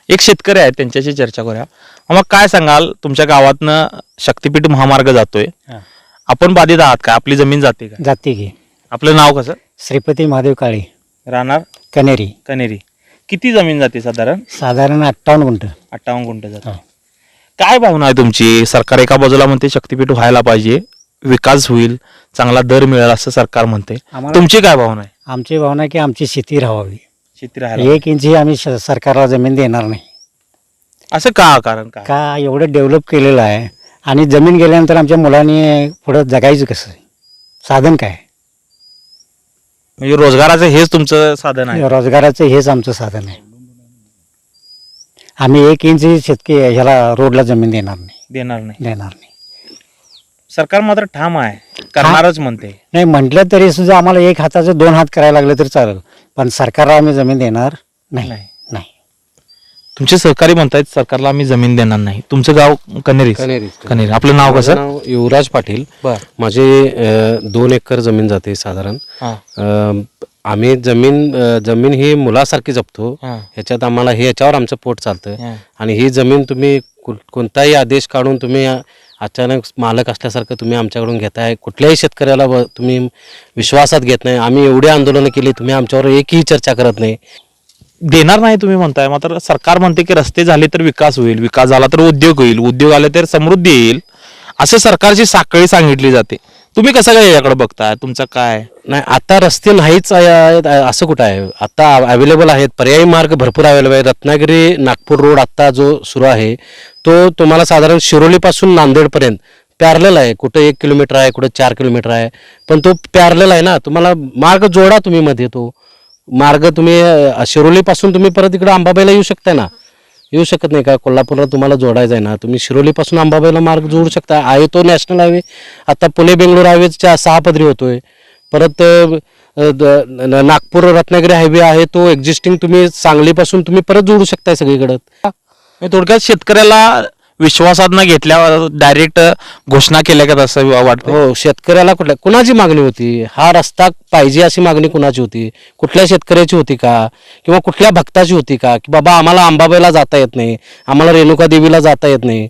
एक शेतकरी आहेत त्यांच्याशी चर्चा करूया. मग काय सांगाल, तुमच्या गावातनं शक्तिपीठ महामार्ग जातोय, आपण बाधित आहात का? आपली जमीन जाते का? जाते की. आपलं नाव कसं? श्रीपती महादेव काळे, राहणार कनेरी. कनेरी. किती जमीन जाते साधारण? साधारण 58 गुंठ. 58 गुंठ जाते. हो. काय भावना आहे तुमची? सरकार एका बाजूला म्हणते शक्तिपीठ व्हायला पाहिजे, विकास होईल, चांगला दर मिळेल असं सरकार म्हणते. तुमची काय भावना आहे? आमची भावना आहे की आमची शेती राहावी. शेती राहायला 1 इंची आम्ही सरकारला जमीन देणार नाही. असं का? कारण काय? का एवढं डेव्हलप केलेलं आहे आणि जमीन गेल्यानंतर आमच्या मुलांनी पुढं जगायचं कसं? साधन काय? म्हणजे रोजगाराचं हेच तुमचं साधन आहे? रोजगाराचं हेच आमचं साधन आहे. आम्ही 1 इंची ह्याला रोडला जमीन देणार नाही. देणार नाही. सरकार मात्र ठाम आहे, करणारच म्हणते. नाही म्हटलं तरी सुद्धा आम्हाला 1 हाताचं 2 हात करायला लागलं तरी चालेल, पण सरकारला आम्ही जमीन देणार नाही. नाही. नाही. तुमचे सहकारी म्हणतायत सरकारला आम्ही जमीन देणार नाही. तुमचं गाव कनेरी? कनेरी. आपलं नाव कसं? नाव युवराज पाटील. माझे 2 एकर जमीन जाते साधारण. आम्ही जमीन ही मुलासारखी जपतो. ह्याच्यात आम्हाला ह्याच्यावर आमचं पोट चालतं. आणि ही जमीन तुम्ही कोणताही आदेश काढून तुम्ही अचानक मालक असल्यासारखं तुम्ही आमच्याकडून घेताय. कुठल्याही शेतकऱ्याला तुम्ही विश्वासात घेत नाही. आम्ही एवढी आंदोलनं केली, तुम्ही आमच्यावर एकही चर्चा करत नाही. देणार नाही तुम्ही म्हणताय, मात्र सरकार म्हणते की रस्ते झाले तर विकास होईल, विकास झाला तर उद्योग होईल, उद्योग आले तर समृद्धी येईल, असं सरकारची साखळी सांगितली जाते. तुम्ही कसं काय याकडे बघताय? तुमचं काय? नाही, आता रस्ते नाहीच असं कुठं आहे? आता अवेलेबल आहेत, पर्यायी मार्ग भरपूर अवेलेबल आहे. रत्नागिरी नागपूर रोड आत्ता जो सुरू आहे तो तुम्हाला साधारण शिरोलीपासून नांदेडपर्यंत पॅरलल आहे. कुठं 1 किलोमीटर आहे, कुठं 4 किलोमीटर आहे, पण तो पॅरलल आहे ना. तुम्हाला मार्ग जोडा तुम्ही मध्ये. तो मार्ग तुम्ही शिरोलीपासून तुम्ही परत इकडं अंबाबाईला येऊ शकता ना? येऊ शकत नाही का? कोल्हापूरला तुम्हाला जोडायचं आहे ना, तुम्ही शिरोलीपासून अंबाबाईला मार्ग जोडू शकता. आहे तो नॅशनल हायवे. आता पुणे बेंगलोर हायवेच्या 6 पदरी होतोय. परत नागपूर रत्नागिरी हायवे आहे, तो एक्झिस्टिंग तुम्ही सांगलीपासून तुम्ही परत जोडू शकताय सगळीकडं. थोडक्यात शेतकऱ्याला विश्वासात न घेतल्यावर डायरेक्ट घोषणा केल्या का असं वाटतं? हो, शेतकऱ्याला कुणाची मागणी होती? हा रस्ता पाहिजे अशी मागणी कुणाची होती? कुठल्या शेतकऱ्याची होती का? किंवा कुठल्या भक्ताची होती का? की बाबा आम्हाला अंबाबाईला जाता येत नाही, आम्हाला रेणुका देवीला जाता येत नाही,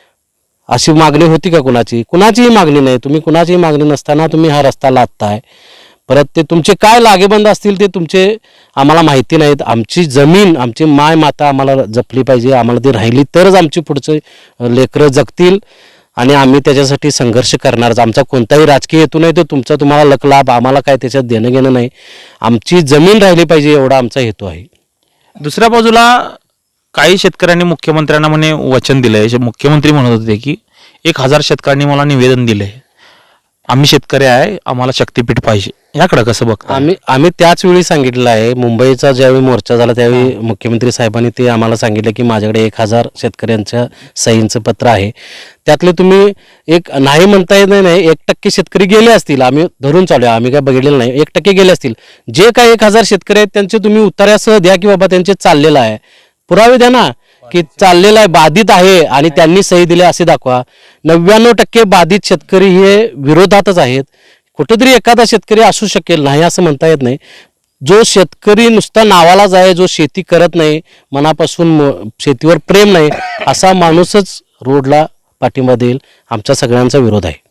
अशी मागणी होती का कुणाची? कुणाचीही मागणी नाही. तुम्ही कुणाचीही मागणी नसताना तुम्ही हा रस्ता लादताय. परत ते तुमचे काय लागेबंद असतील ते तुमचे आम्हाला माहिती नाहीत. आमची जमीन, आमची माय माता आम्हाला जपली पाहिजे. आम्हाला ती राहिली तरच आमची पुढचे लेकरं जगतील आणि आम्ही त्याच्यासाठी संघर्ष करणारच. आमचा कोणताही राजकीय हेतू नाही, तो तुमचा तुम्हाला लकलाभ, आम्हाला काय त्याच्यात देणं घेणं नाही. आमची जमीन राहिली पाहिजे एवढा आमचा हेतू आहे. दुसऱ्या बाजूला काही शेतकऱ्यांनी मुख्यमंत्र्यांना म्हणे वचन दिलंय. मुख्यमंत्री म्हणत होते की 1000 शेतकऱ्यांनी मला निवेदन दिलंय, आम्ही शेतकरी आहे, आम्हाला शक्तिपीठ पाहिजे. याकडे कसं बघता? आम्ही त्याच वेळी सांगितलं आहे. मुंबईचा ज्यावेळी मोर्चा झाला त्यावेळी मुख्यमंत्री साहेबांनी ते आम्हाला सांगितलं की माझ्याकडे 1000 शेतकऱ्यांच्या सहींचं पत्र आहे. त्यातले तुम्ही एक नाही म्हणता येत नाही, 1% शेतकरी गेले असतील. आम्ही धरून चालू आहे, आम्ही काय बघितलेलं नाही. 1% गेले असतील. जे काही 1000 शेतकरी आहेत त्यांचे तुम्ही उत्तरासह द्या की बाबा त्यांचे चाललेलं आहे, पुरावे द्या ना की चाललेलं आहे, बाधित आहे आणि त्यांनी सही दिली असे दाखवा. 99% बाधित शेतकरी हे विरोधातच आहेत. कुठेतरी एखादा शेतकरी असू शकेल, नाही असं म्हणता येत नाही. जो शेतकरी नुसता नावालाच आहे, जो शेती करत नाही, मनापासून शेतीवर प्रेम नाही, असा माणूसच रोडला पाठिंबा देईल. आमचा सगळ्यांचा विरोध आहे.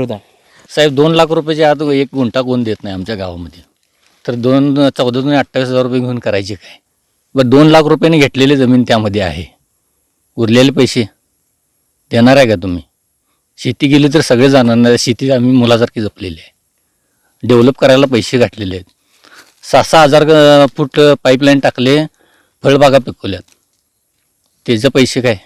साहेब 2 लाख रुपयाच्या आत 1 गुंठा कोण देत नाही आमच्या गावामध्ये. तर 14,028,000 रुपये घेऊन करायचे काय? बरं 2 लाख रुपयाने घेतलेली जमीन त्यामध्ये आहे, उरलेले पैसे देणार आहे का तुम्ही? शेती गेली तर सगळे जाणार नाही. शेती आम्ही मुलासारखी जपलेली आहे, डेव्हलप करायला पैसे घातलेले आहेत. 6,6 हजार फूट पाईपलाईन टाकले, फळबागा पिकवल्यात, त्याचे पैसे काय?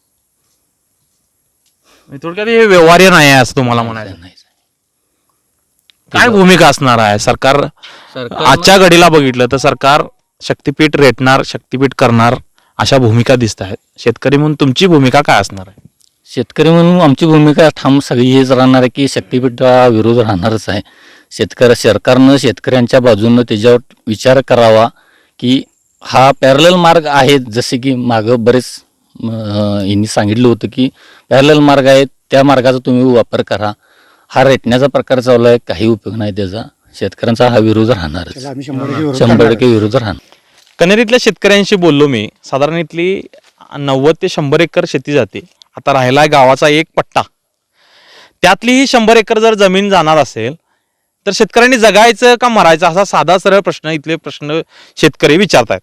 थोडक्यात हे व्यवहार्य नाही आहे असं तुम्हाला म्हणायचं? नाही. काय भूमिका असणार आहे सरकार? आजच्या घडीला बघितलं तर सरकार शक्तिपीठ रेटणार, शक्तिपीठ करणार अशा भूमिका दिसत आहेत. शेतकरी म्हणून तुमची भूमिका काय असणार आहे? शेतकरी म्हणून आमची भूमिका ठाम सगळी हेच राहणार आहे की शक्तिपीठा विरोध राहणारच आहे. सरकारनं शेतकऱ्यांच्या बाजूनं त्याच्यावर विचार करावा की हा पॅरलल मार्ग आहे, जसे की मागं बरेच यांनी सांगितलं होतं की पॅरलल मार्ग आहे, त्या मार्गाचा तुम्ही वापर करा. हा रेटण्याचा प्रकार चालू आहे, काही उपयोग नाही त्याचा. शेतकऱ्यांचा हा विरोध राहणारच, 100% विरोध राहणार. कनेरीतल्या शेतकऱ्यांशी बोललो मी. साधारण इथली 90 ते 100 एकर शेती जाते. आता राहिला गावाचा एक पट्टा, त्यातली ही 100 एकर जर जमीन जाणार असेल तर शेतकऱ्यांनी जगायचं का मरायचं, असा साधा सरळ प्रश्न इथले शेतकरी विचारतायत.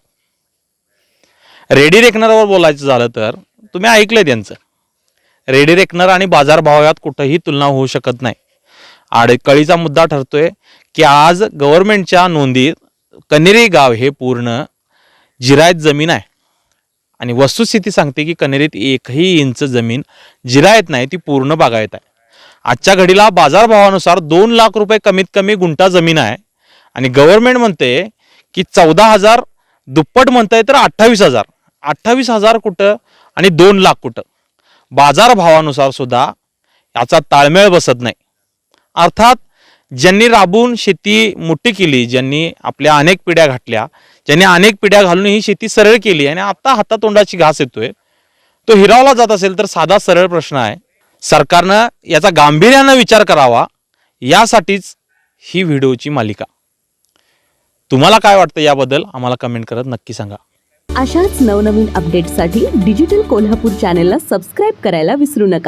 रेडी रेकनरवर बोलायचं झालं तर तुम्ही ऐकलंय त्यांचं. रेडी रेकनर आणि बाजारभावात कुठंही तुलना होऊ शकत नाही. आडकळीचा मुद्दा ठरतोय की आज गव्हर्नमेंटच्या नोंदीत कनेरी गाव हे पूर्ण जिरायत जमीन आहे आणि वस्तुस्थिती सांगते की कनेरीत एकही इंच जमीन जिरायत नाही, ती पूर्ण बागायत आहे. आजच्या घडीला बाजारभावानुसार 2 लाख रुपये कमीत कमी गुंठा जमीन आहे आणि गव्हर्नमेंट म्हणते की 14,000, दुप्पट म्हणताय तर 28,000. 28,000 कुठं आणि 2 लाख कुठं? बाजारभावानुसार सुद्धा याचा ताळमेळ बसत नाही. अर्थात ज्यांनी राबून शेती मोठी केली, ज्यांनी आपल्या अनेक पिढ्या घातल्या, ज्यांनी अनेक पिढ्या घालून ही शेती सरळ केली आणि आता हातातोंडाची घास येतोय, तो हिरावला जात असेल तर साधा सरळ प्रश्न आहे, सरकारनं याचा गांभीर्यानं विचार करावा. यासाठीच ही व्हिडिओची मालिका. तुम्हाला काय वाटतं याबद्दल आम्हाला कमेंट करत नक्की सांगा. अशाच नवनवीन अपडेट्ससाठी डिजिटल कोल्हापूर चॅनेलला सबस्क्राईब करायला विसरू नका.